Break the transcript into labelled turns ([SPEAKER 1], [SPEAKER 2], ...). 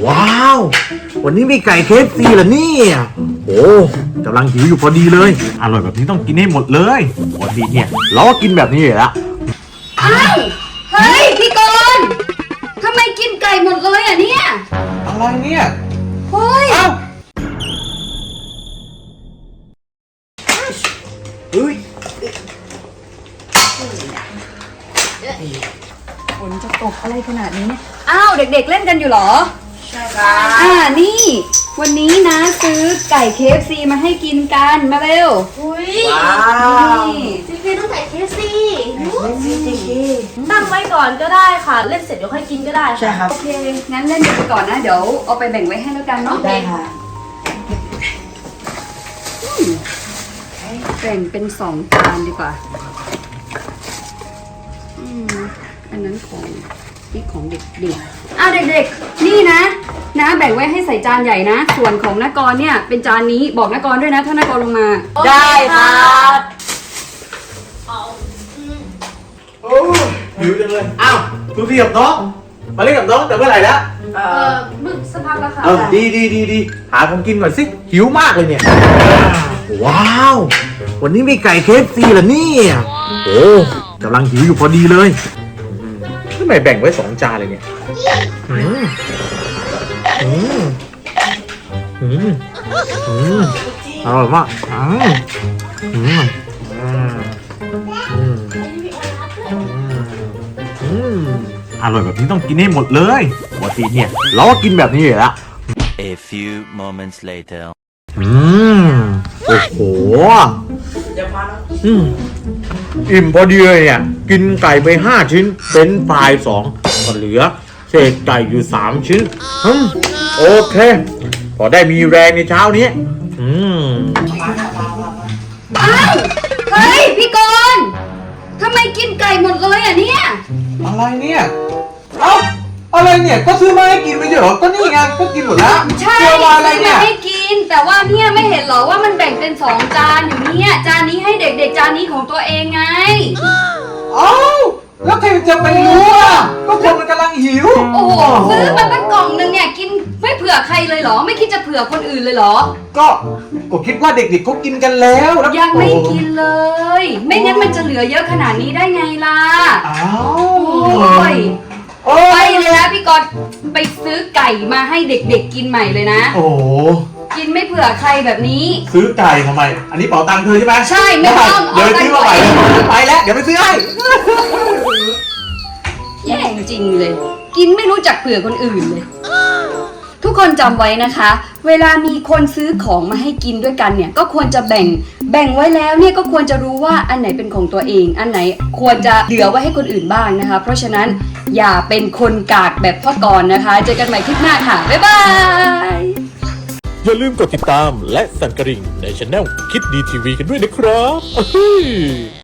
[SPEAKER 1] ว้าววันนี้มีไก่KFCเหรอเนี่ยโอ้กำลังหิวอยู่พอดีเลยอร่อยแบบนี้ต้องกินให้หมดเลยปกติเนี่ยเราก็กินแบบนี้อยู่แล้ว
[SPEAKER 2] อ้าวเฮ้ยพี่กรณ์ทำไมกินไก่หมดเลยอ่ะเนี่ย
[SPEAKER 1] อะไรเนี่ย
[SPEAKER 2] เฮ้ย
[SPEAKER 1] เอ้าเฮ้ย
[SPEAKER 2] ฝนจะตกอะไรขนาดนี้เนี่ยอ้าวเด็กๆเล่นกันอยู่เหรอใช่ค่ะนี่วันนี้นะซื้อไก่ KFC มาให้กินกันมาเร็ว
[SPEAKER 3] อุ้ย
[SPEAKER 2] นี่
[SPEAKER 3] จีพีต้องใส่เคซีตั้งไว้ก่อนก็ได้ค่ะ เล่นเสร็จเดี๋ยวค่อยกินก็ได้
[SPEAKER 4] ใช่ครับ
[SPEAKER 2] โอเคงั้นเล่นไปก่อนนะเดี๋ยวเอาไปแบ่งไว้ให้แล้วกันเนาะ
[SPEAKER 4] ได้ค่ะ
[SPEAKER 2] แบ่งเป็น2 จานดีกว่าอันนั้นของนี่ของเด็กๆเด็กๆนี่นะแบ่งไว้ให้ใส่จานใหญ่นะส่วนของนกรเนี่ยเป็นจานนี้บอกนกรด้วยนะถ้านกรลงมา
[SPEAKER 4] ได้ครับ
[SPEAKER 1] โอ้หิวจังเลยอ้าวพี่กับน้องมาเล่นกับน้องแต่เมื่อไหร่แล้ว
[SPEAKER 2] มึกสักพักแล้วค่ะ
[SPEAKER 1] ดีหาของกินก่อนสิหิวมากเลยเนี่ยว้าววันนี้มีไก่KFCเหรอเนี่ยโอ้กำลังหิวอยู่พอดีเลยทำไมแบ่งไว้2 จานเลยเนี่ยอร่อยมากอร่อยแบบนี้ต้องกินให้หมดเลยปกติเนี่ยเราก็กินแบบนี้อยู่แล้ว
[SPEAKER 5] A few moments later.
[SPEAKER 1] โอ้โหอิ่มพอดีเลยเนี่ยกินไก่ไป5 ชิ้นเป็นปลาย2ก็เหลือเศษไก่อยู่3 ชิ้นโอเคพอได้มีแรงในเช้านี้
[SPEAKER 2] อ้าวเฮ้ยพี่กรณ์ทำไมกินไก่หมดเลยอ่ะเนี่ย
[SPEAKER 1] อะไรเนี่ยเอ้าอะไรเนี่ยก็ซื้อมาให้กินไม่ใช่เหรอก็นี่ไงก็กินหมดแล้ว
[SPEAKER 2] ใช่
[SPEAKER 1] เชื่อว่าอะไรเนี่ย
[SPEAKER 2] ไม่กินแต่ว่าเนี่ยไม่เห็นเหรอว่ามันแบ่งเป็น2 จานอยู่เนี่ยจานนี้ให้เด็กๆจานนี้ของตัวเองไง
[SPEAKER 1] เอ้าแล้วใครจะไปรู้อ่ะก็คนมันกำลังหิว
[SPEAKER 2] โอ้โหซื้อมาตั้งกล่องนึงเนี่ยกินไม่เผื่อใครเลยเหรอไม่คิดจะเผื่อคนอื่นเลยเหรอ
[SPEAKER 1] ก็คิดว่าเด็กๆเขากินกันแล้วแล้ว
[SPEAKER 2] ยังไม่กินเลย ไม่งั้นมันจะเหลือเยอะขนาดนี้ได้ไงล่ะ
[SPEAKER 1] อ้าว
[SPEAKER 2] โอ้ยไปเลยนะพี่กรณ์ไปซื้อไก่มาให้เด็กๆกินใหม่เลยนะ
[SPEAKER 1] โอ้โห
[SPEAKER 2] กินไม่เผื่อใครแบบนี้
[SPEAKER 1] ซื้อไก่ทำไม อันนี้เป๋าตังค์เธอใช่ไหม
[SPEAKER 2] ใช่ไม่ต้อง
[SPEAKER 1] เดี๋ยวไปซื้อมาใหม่
[SPEAKER 2] เอาตังค์
[SPEAKER 1] ไปแล้วเดี๋ยวไปซื้อให้
[SPEAKER 2] แย่จริงเลย กินไม่รู้จักเผื่อคนอื่นเลย ทุกคนจำไว้นะคะ เวลามีคนซื้อของมาให้กินด้วยกันเนี่ยก็ควรจะแบ่งไว้แล้วเนี่ยก็ควรจะรู้ว่าอันไหนเป็นของตัวเอง อันไหนควรจะเหลือไว้ให้คนอื่นบ้างนะคะ เพราะฉะนั้นอย่าเป็นคนกากแบบพ่อกรณ์นะคะ เจอกันใหม่คลิปหน้าค่ะบ๊ายบาย
[SPEAKER 6] อย่าลืมกดติดตามและสั่นกระดิ่งในช่องคิดดีทีวีกันด้วยนะครับ